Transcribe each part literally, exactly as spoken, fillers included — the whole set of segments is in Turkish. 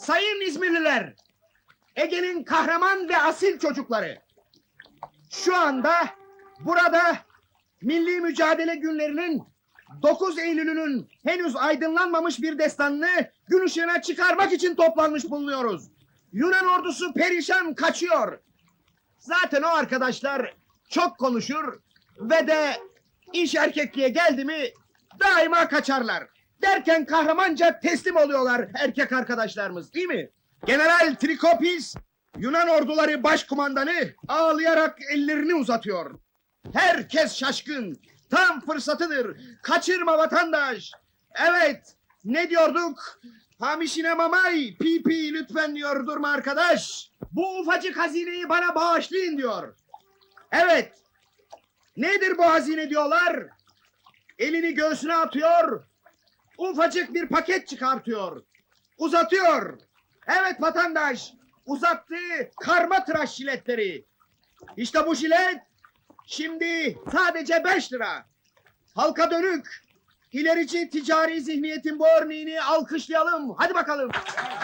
Sayın İzmirliler, Ege'nin kahraman ve asil çocukları. Şu anda burada milli mücadele günlerinin dokuz Eylül'ünün henüz aydınlanmamış bir destanını gün ışığına çıkarmak için toplanmış bulunuyoruz. Yunan ordusu perişan kaçıyor. Zaten o arkadaşlar çok konuşur ve de iş erkekliğe geldi mi daima kaçarlar. Derken kahramanca teslim oluyorlar erkek arkadaşlarımız, değil mi? General Trikopis, Yunan orduları başkumandanı ağlayarak ellerini uzatıyor. Herkes şaşkın. Tam fırsatıdır. Kaçırma vatandaş. Evet, ne diyorduk? Hamişine mamay, pipi lütfen diyor, durma arkadaş. Bu ufacık hazineyi bana bağışlayın diyor. Evet, nedir bu hazine diyorlar? Elini göğsüne atıyor, ufacık bir paket çıkartıyor. Uzatıyor. Evet vatandaş, uzattığı karma tıraş jiletleri. İşte bu jilet, şimdi sadece beş lira. Halka dönük, ilerici ticari zihniyetin bu örneğini alkışlayalım. Hadi bakalım.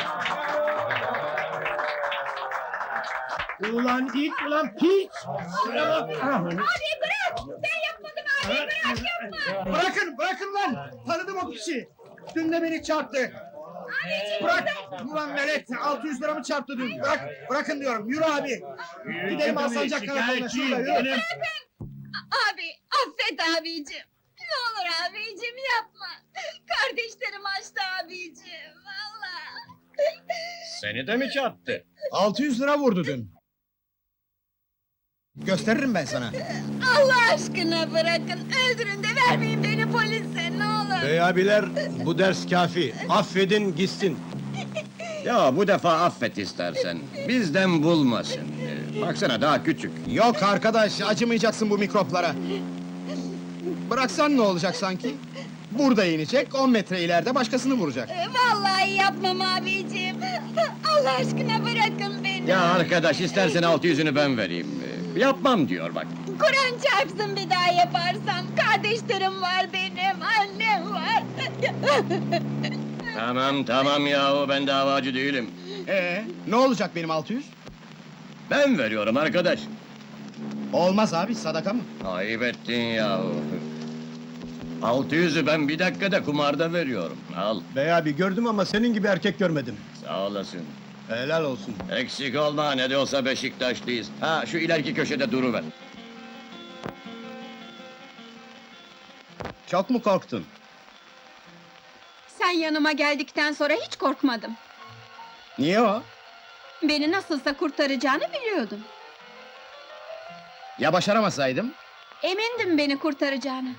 Ulan it, ulan piç! Abi bırak! Sen yapmadın abi, bırak yapma! Bırakın, bırakın lan! Tanıdım o piçi! Dün de beni çarptı. Abiciğim Bırak! Ulan velet, altı yüz lira mı çarptı dün? Bırak, bırakın diyorum, yürü abi! Gidelim Alsancak karakoluna, şurada yürü! bırakın! Abi, affet abicim! Ne olur abicim yapma! Kardeşlerim açtı abicim, valla! Seni de mi çarptı? altı yüz lira vurdu dün. Gösteririm ben sana. Allah aşkına bırakın! Öldürün de vermeyin beni polise, ne olur! Bey abiler, bu ders kafi. Affedin gitsin. Ya bu defa affet istersen. Bizden bulmasın. Ee, Baksana daha küçük. Yok arkadaş, acımayacaksın bu mikroplara. Bıraksan ne olacak sanki? Burada inecek, on metre ileride başkasını vuracak. Ee, Vallahi yapmam abicim! Allah aşkına bırakın beni! Ya arkadaş istersen altı yüzünü ben vereyim. Ee, Yapmam diyor bak. Kur'an çarpsın bir daha yaparsam! Kardeşlerim var benim, annem var! Tamam tamam yahu ben davacı değilim. Ee, ne olacak benim altı yüz? Ben veriyorum arkadaş. Olmaz abi, sadaka mı? Ayıp ettin yahu. Altı yüzü ben bir dakikada kumarda veriyorum. Al, Bey abi gördüm ama senin gibi erkek görmedim. sağ olasın. Helal olsun. Eksik olma, ne de olsa Beşiktaşlıyız. Ha, şu ileriki köşede duruver. Çok mu korktun? Sen yanıma geldikten sonra hiç korkmadım. Niye o? Beni nasılsa kurtaracağını biliyordum. Ya başaramasaydım? Emindim beni kurtaracağını.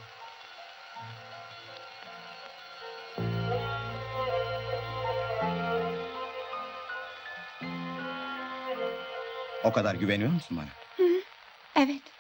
O kadar güveniyor musun bana? Evet.